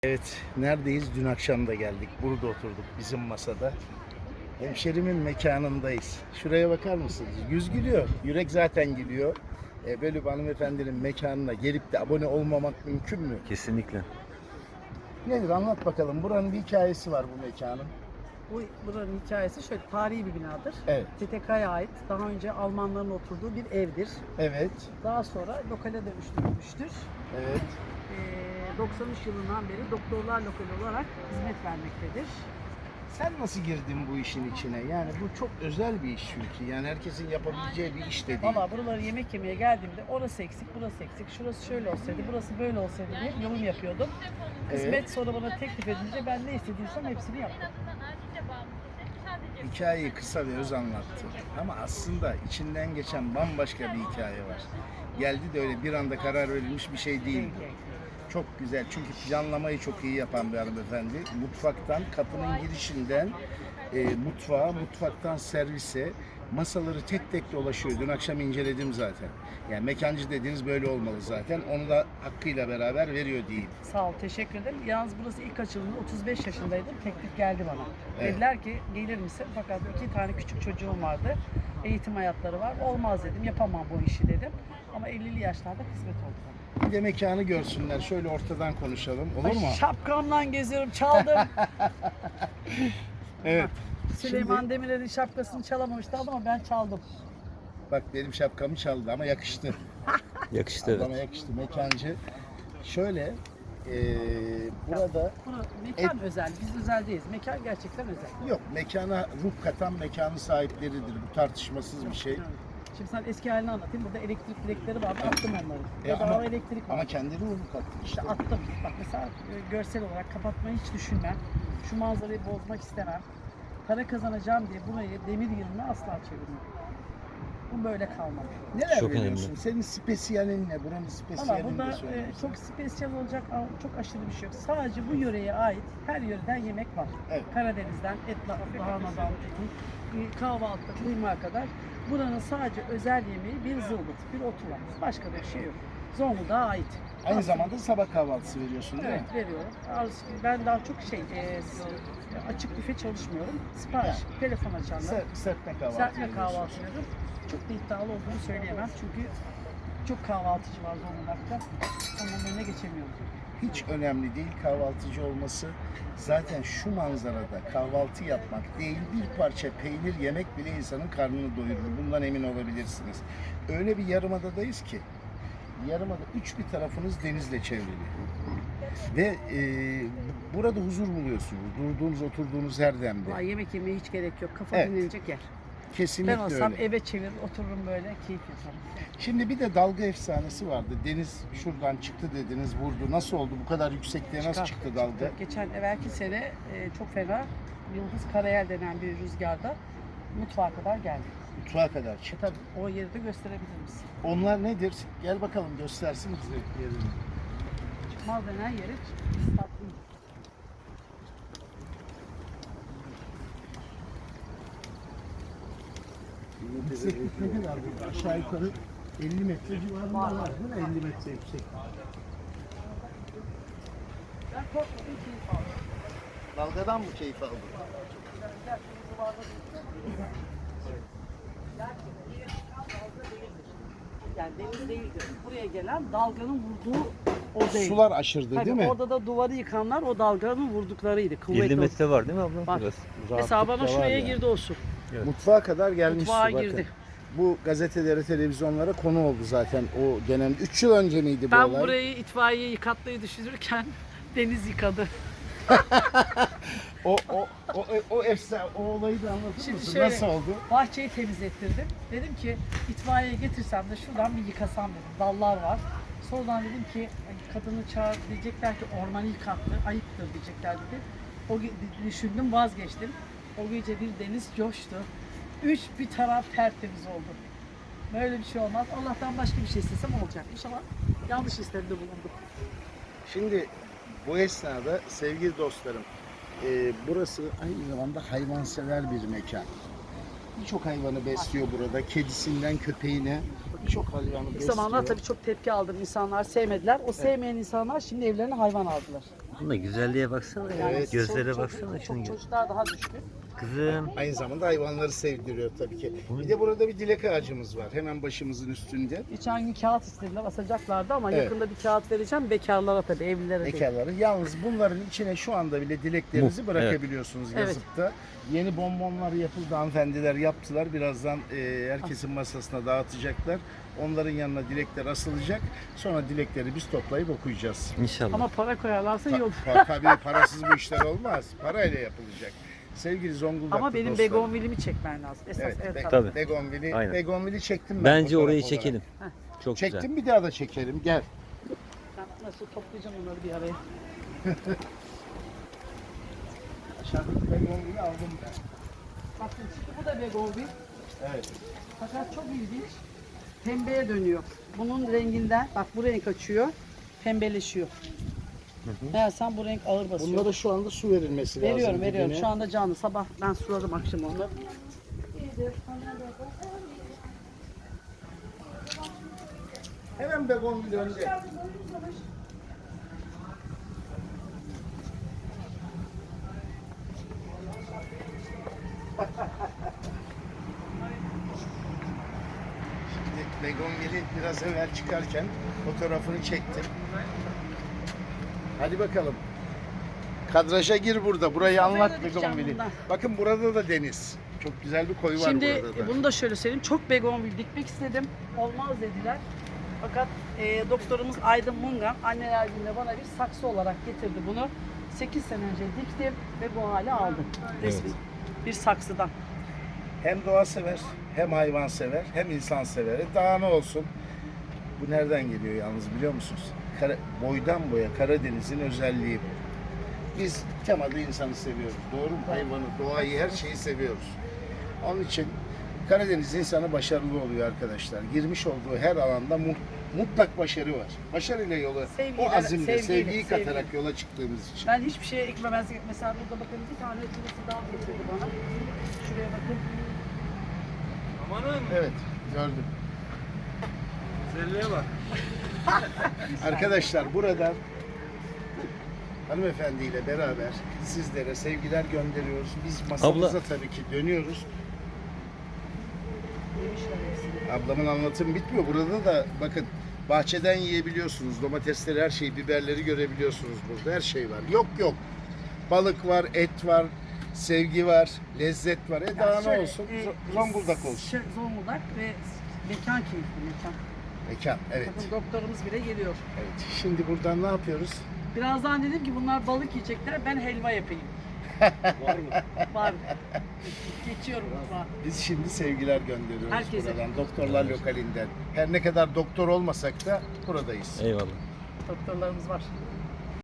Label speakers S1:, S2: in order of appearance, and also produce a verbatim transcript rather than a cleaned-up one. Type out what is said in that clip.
S1: Evet, neredeyiz? Dün akşam da geldik. Burada oturduk bizim masada. Hemşerimin mekanındayız. Şuraya bakar mısınız? Yüz gülüyor. Yürek zaten gülüyor. E, böyle bir hanımefendinin mekanına gelip de abone olmamak mümkün mü?
S2: Kesinlikle.
S1: Nedir? Anlat bakalım. Buranın bir hikayesi var bu mekanın.
S3: Bu buranın hikayesi şöyle, tarihi bir binadır.
S1: Evet.
S3: T T K'ya ait, daha önce Almanların oturduğu bir evdir.
S1: Evet.
S3: Daha sonra lokale dönüştürülmüştür.
S1: Evet.
S3: Ee, doksan üç yılından beri doktorlar lokali olarak hizmet vermektedir.
S1: Sen nasıl girdin bu işin içine? Yani bu çok özel bir iş çünkü. Yani herkesin yapabileceği bir iş de değil.
S3: Valla buraları yemek yemeye geldiğimde orası eksik, burası eksik, şurası şöyle olsaydı, burası böyle olsaydı diye yorum yapıyordum. Kısmet
S1: Evet.
S3: sonra bana teklif edince ben ne istediysem hepsini yaptım.
S1: Hikayeyi kısa ve öz anlattı. Ama aslında içinden geçen bambaşka bir hikaye var. Geldi de öyle bir anda karar verilmiş bir şey değil bu. Çok güzel çünkü planlamayı çok iyi yapan bir hanımefendi. Mutfaktan, kapının girişinden e, mutfağa, mutfaktan servise masaları tek tek dolaşıyor. Dün akşam inceledim zaten. Yani mekancı dediğiniz böyle olmalı zaten. Onu da hakkıyla beraber veriyor diyeyim.
S3: Sağ ol, teşekkür ederim. Yalnız burası ilk açıldığında otuz beş yaşındaydım. Teklif geldi bana.
S1: Evet.
S3: Dediler ki gelir misin? Fakat iki tane küçük çocuğum vardı. Eğitim hayatları var. Olmaz dedim. Yapamam bu işi dedim. Ama ellili yaşlarda kısmet oldu bana.
S1: Bir de mekanı görsünler. Şöyle ortadan konuşalım. Olur
S3: Ay,
S1: mu?
S3: şapkamla geziyorum. Çaldım.
S1: Evet.
S3: Süleyman
S1: Şimdi-
S3: Demirel'in şapkasını çalamamıştı ama ben çaldım.
S1: Bak benim şapkamı çaldı ama yakıştı.
S2: Yakıştı evet.
S1: Adama yakıştı. Mekancı. Şöyle eee, burada
S3: Bunu mekan özel. Biz özel değiliz. Mekan gerçekten özel.
S1: yok, mekana ruh katan mekanın sahipleridir. Bu tartışmasız bir şey.
S3: Evet. Şimdi sen eski halini anlatayım. Burada elektrik direkleri vardı. Attım onları.
S1: E,
S3: Bedava
S1: ama-
S3: elektrik var.
S1: Ama kendi ruhunu kattı işte.
S3: İşte attım. Bak mesela e, görsel olarak kapatmayı hiç düşünmem. Şu manzarayı bozmak istemem. Para kazanacağım diye burayı demir yığınına asla çevirmem. Bu böyle kalmalı.
S1: Neler
S2: Çok
S1: veriyorsun?
S2: önemli.
S1: Senin spesiyalin ne? Buranın
S3: Valla
S1: spesiyalini
S3: burada
S1: de
S3: e,
S1: söyle.
S3: çok spesiyel olacak ama çok aşırı bir şey yok. Sadece bu yöreye ait her yöreden yemek var.
S1: Evet.
S3: Karadeniz'den, et lahanadan, e, kahvaltı, kıyma kadar. Buranın sadece özel yemeği bir zılgıt, bir otu var. Başka bir şey yok. Zonguldak'a ait.
S1: Aynı
S3: Aslında-
S1: zamanda sabah kahvaltısı veriyorsun değil
S3: Evet
S1: mi?
S3: veriyorum. Az- Ben daha çok şey e, s- açık büfe çalışmıyorum. Sipariş, telefon açanlar.
S1: Ser, serpme kahvaltı
S3: Serpme
S1: veriyorsun.
S3: kahvaltı veriyorum. Çok da iddialı olduğunu söyleyemem çünkü çok kahvaltıcı var Zonguldak'ta. Onun önüne geçemiyorum.
S1: Hiç önemli değil kahvaltıcı olması. Zaten şu manzarada kahvaltı yapmak değil, bir parça peynir yemek bile insanın karnını doyurur. Bundan emin olabilirsiniz. Öyle bir yarımadadayız ki, yarımada üç bir tarafınız denizle çevrili. Ve e, burada huzur buluyorsunuz. Durduğunuz, oturduğunuz her demde.
S3: Ay, yemek yemeye hiç gerek yok. Kafa
S1: Evet.
S3: dinlenecek yer.
S1: Kesinlikle
S3: Ben olsam
S1: öyle.
S3: eve çevirir, otururum böyle, keyif yaparım.
S1: Şimdi bir de dalga efsanesi vardı. Deniz şuradan çıktı dediniz, vurdu. Nasıl oldu? Bu kadar yüksekliğe nasıl
S3: Çıkar,
S1: çıktı dalga?
S3: Geçen evvelki sene e, çok fena Yıldız Karayel denen bir rüzgarda mutfağa kadar geldi.
S1: Mutfağa kadar
S3: E
S1: çıktı.
S3: tabii o yeri de gösterebilir misin?
S1: Onlar nedir? Gel bakalım göstersin bize yerini.
S3: Çıkmaz denen yeri tatlı.
S1: Yükseklik ne kadar burada? Aşağı yukarı elli metre civarında
S3: Var.
S1: var değil mi? elli metre yüksek.
S3: Ben korkmadım, keyif aldım.
S1: Dalgadan mı keyif aldın?
S3: Yani deniz değildir. Buraya gelen dalganın vurduğu o değil.
S1: Sular aşırdı
S3: Tabii
S1: değil mi?
S3: orada da duvarı yıkanlar o dalganın vurduklarıydı. Kuvvetli.
S2: elli metre var değil mi abla?
S3: Var.
S2: Biraz.
S3: Mesela bana
S1: Rahatlıkla var
S3: şuraya
S1: yani.
S3: girdi o su.
S1: Mutfağa kadar gelmiş
S3: Mutfağa
S1: su bakın.
S3: girdi.
S1: Bu gazetelere, televizyonlara konu oldu zaten o dönem. üç yıl önce miydi bu
S3: Ben
S1: olay?
S3: burayı itfaiye yıkatmayı düşünürken deniz yıkadı.
S1: O, o, o, o, efsane, o olayı da anlatır
S3: Şimdi
S1: mısın?
S3: şöyle-
S1: Nasıl oldu?
S3: Bahçeyi temizlettirdim. Dedim ki itfaiye getirsem de şuradan bir yıkasam dedim. Dallar var. Sonradan dedim ki kadını çağır diyecekler ki ormanı yıkattı, ayıptır diyecekler dedi. O ge- düşündüm, vazgeçtim. O gece bir deniz coştu. Üç bir taraf tertemiz oldu. Böyle bir şey olmaz. Allah'tan başka bir şey istesem olacak. İnşallah yanlış istemde bulundum.
S1: Şimdi bu esnada sevgili dostlarım, e, burası aynı zamanda hayvansever bir mekan. Birçok hayvanı besliyor burada. Kedisinden köpeğine birçok hayvanı
S3: İlk
S1: besliyor.
S3: zamanlar tabii çok tepki aldım. İnsanlar sevmediler. O sevmeyen insanlar şimdi evlerine hayvan aldılar.
S2: Bunda güzelliğe baksana ya.
S1: Evet.
S2: Gözlere
S3: Çocuk-
S2: baksana
S3: çocuk-
S2: şunu.
S3: Çocuklar daha düşkün.
S2: Kızım.
S1: Aynı zamanda hayvanları sevdiriyor tabii ki. Bir de burada bir dilek ağacımız var. Hemen başımızın üstünde.
S3: Geçen gün kağıt istediler, asacaklardı ama
S1: Evet.
S3: yakında bir kağıt vereceğim. Bekarlara tabii, evlilere değil.
S1: Bekarları. Yalnız bunların içine şu anda bile dileklerinizi
S2: Mu,
S1: bırakabiliyorsunuz
S3: Evet.
S1: yazıp da. Yeni bonbonlar yapıldı, hanımefendiler yaptılar. Birazdan e, herkesin masasına dağıtacaklar. Onların yanına dilekler asılacak. Sonra dilekleri biz toplayıp okuyacağız.
S2: İnşallah.
S3: Ama para koyarlarsa iyi
S1: Ta-
S3: olur.
S1: pa- tabii parasız bu işler olmaz. Parayla yapılacak. Sevgili Zonguldaklı
S3: Ama benim
S1: dostlarım.
S3: begonvilimi çekmen lazım. Esas
S1: Evet,
S3: evet,
S1: Be-
S3: tabii.
S2: Tabii.
S1: Begonvili,
S2: Aynen.
S1: Begonvili çektim ben.
S2: Bence
S1: fotoğraf
S2: orayı
S1: olarak.
S2: çekelim. Çok
S1: Çektim,
S2: güzel.
S1: bir daha da çekelim. Gel.
S3: Ben nasıl toplayacağım onları bir araya.
S1: Aşağıdaki Begonvili aldım ben.
S3: Bakın şimdi bu da begonvil.
S1: Evet.
S3: Fakat çok ilginç. Pembeye dönüyor. Bunun renginden, bak bu renk açıyor. Pembeleşiyor. Meğersem bu renk ağır basıyor.
S1: Bunlara şu anda su verilmesi lazım.
S3: veriyorum, veriyorum.
S1: dibine.
S3: Şu anda canlı. Sabah ben suladım, akşam onu.
S1: Hemen Begonvil önde. Şimdi Begonvil'i biraz evvel çıkarken fotoğrafını çektim. Hadi bakalım. Kadraja gir burada. Burayı anlat
S3: dikeceğim
S1: Begonvil'i.
S3: bundan.
S1: Bakın burada da deniz. Çok güzel bir koyu var
S3: Şimdi
S1: burada da.
S3: bunu da şöyle söyleyeyim. Çok begonvil dikmek istedim. Olmaz dediler. Fakat e, doktorumuz Aydın Mungan anneler gününe bana bir saksı olarak getirdi bunu. sekiz sene önce diktim ve bu hale aldım. Resmi bir saksıdan.
S1: Hem doğa sever, hem hayvan sever, hem insan sever. E daha ne olsun? Bu nereden geliyor yalnız biliyor musunuz? Kara- boydan boya Karadeniz'in özelliği bu. Biz temada insanı seviyoruz. Doğru mu? Hayvanı, doğayı, her şeyi seviyoruz. Onun için Karadeniz insanı başarılı oluyor arkadaşlar. Girmiş olduğu her alanda mu- mutlak başarı var. Başarıyla yola,
S3: Sevgiyle,
S1: o azimle,
S3: sevgiyle,
S1: sevgiyi
S3: sevgiyle.
S1: katarak yola çıktığımız için.
S3: Ben hiçbir şeye eklemezdim. Mesela burada bakın bir tane birisi daha getirdi bana. Şuraya bakın.
S1: Evet, gördüm.
S4: Güzelliğe bak.
S1: Arkadaşlar buradan hanımefendiyle beraber sizlere sevgiler gönderiyoruz. Biz masamıza
S2: Abla.
S1: tabii ki dönüyoruz.
S3: Yemişler hepsini.
S1: Ablamın anlatımı bitmiyor. Burada da bakın bahçeden yiyebiliyorsunuz. Domatesleri, her şeyi, biberleri görebiliyorsunuz burada. Her şey var. Yok yok. Balık var, et var, sevgi var, lezzet var. E daha
S3: Yani
S1: ne
S3: şöyle,
S1: olsun?
S3: e,
S1: Z- Zonguldak olsun.
S3: şey, Zonguldak ve mekan keyifli mekan.
S1: Mekan, evet.
S3: Bakın doktorumuz bile geliyor.
S1: Evet. Şimdi buradan ne yapıyoruz?
S3: Birazdan dedim ki bunlar balık yiyecekler, ben helva yapayım.
S4: Var mı?
S3: Var. Geçiyorum mutfağa.
S1: Biz şimdi sevgiler gönderiyoruz
S3: Herkese.
S1: buradan. Doktorlar lokalinden. Her ne kadar doktor olmasak da buradayız.
S2: Eyvallah.
S3: Doktorlarımız var.